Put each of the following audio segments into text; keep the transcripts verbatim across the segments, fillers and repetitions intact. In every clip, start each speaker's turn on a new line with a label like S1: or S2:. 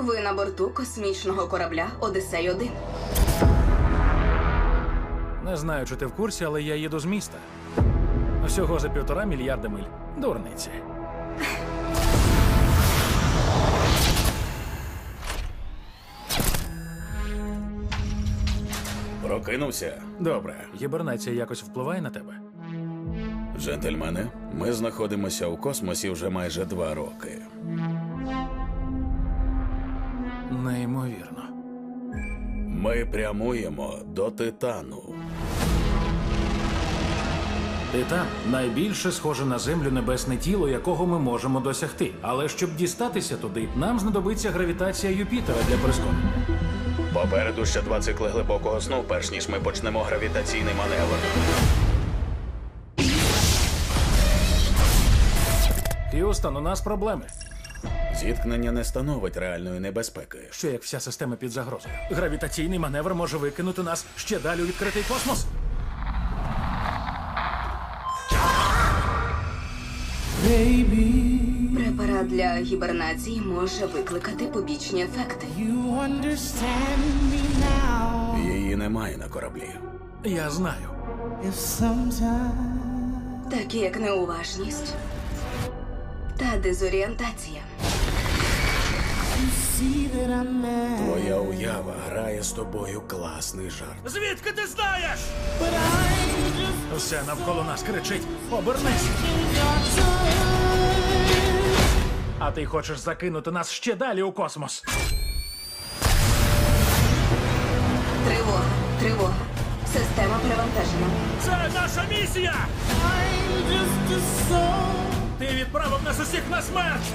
S1: Ви на борту космічного корабля Одіссей один.
S2: Не знаю, чи ти в курсі, але я їду з міста. Всього за півтора мільярда миль. Дурниці.
S3: Прокинувся?
S2: Добре. Гібернація якось впливає на тебе?
S3: Джентльмени, ми знаходимося у космосі вже майже два роки.
S2: Неймовірно.
S3: Ми прямуємо до Титану.
S2: Титан – найбільше схоже на Землю небесне тіло, якого ми можемо досягти. Але щоб дістатися туди, нам знадобиться гравітація Юпітера для прискорення.
S3: Попереду ще два цикли глибокого сну, перш ніж ми почнемо гравітаційний маневр.
S2: Х'юстон, у нас проблеми.
S3: Зіткнення не становить реальної небезпеки.
S2: Що як вся система під загрозою? Гравітаційний маневр може викинути нас ще далі у відкритий космос.
S1: Препарат для гібернації може викликати побічні ефекти.
S4: You understand me now.
S3: Її немає на кораблі.
S2: Я знаю.
S4: If sometimes
S1: Такі як неуважність та дезорієнтація.
S4: you see that I'm mad,
S3: Твоя уява грає з тобою класний жарт.
S2: Звідки ти знаєш?
S4: but I'm just
S2: Все навколо нас кричить: обернись!
S4: in your touch.
S2: А ти хочеш закинути нас ще далі у космос.
S1: Тривога, тривога. Система перевантажена.
S2: Це наша місія!
S4: I'm just a soul.
S2: Ти відправив нас усіх на смерть!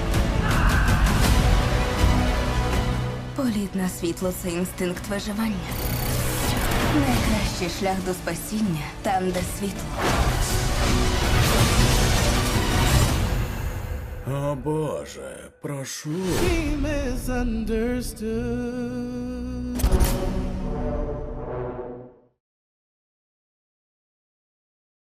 S1: Політ на світло – це інстинкт виживання. Найкращий шлях до спасіння – там, де світло.
S3: О Боже, прошу.
S4: He misunderstood.